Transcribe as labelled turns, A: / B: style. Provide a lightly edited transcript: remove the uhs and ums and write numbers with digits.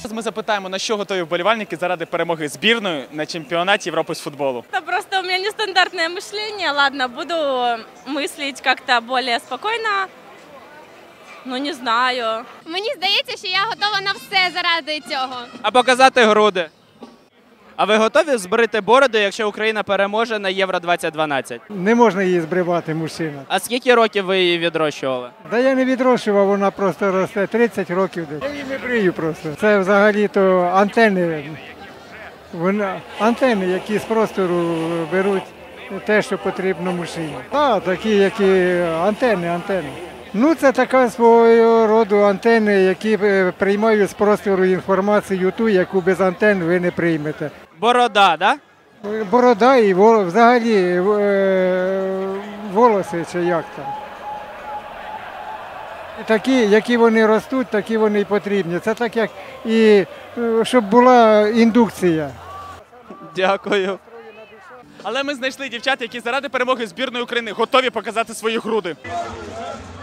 A: Зараз ми запитаємо, на що готові вболівальники заради перемоги збірної на чемпіонаті Європи з футболу.
B: Это просто у меня нестандартное мышление. Ладно, буду мыслить как-то более спокойно. Ну, не знаю.
C: Мені здається, що я готова на все заради цього.
D: А показати груди. А ви готові збрити бороду, якщо Україна переможе на Євро-2012?
E: Не можна її збривати, мужчина.
D: А скільки років ви її відрощували?
E: Да я не відрощував, вона просто росте 30 років десь. Я її не брию просто. Це взагалі-то антени. Антени, які з простору беруть те, що потрібно мужчині. Так, такі, які антени. Ну, це така свого роду антени, які приймають з простору інформацію ту, яку без антен ви не приймете.
D: Борода, да?
E: Борода і взагалі волоси чи як там. Такі, які вони ростуть, такі вони і потрібні. Це так, як і щоб була індукція.
D: Дякую.
A: Але ми знайшли дівчат, які заради перемоги збірної України готові показати свої груди.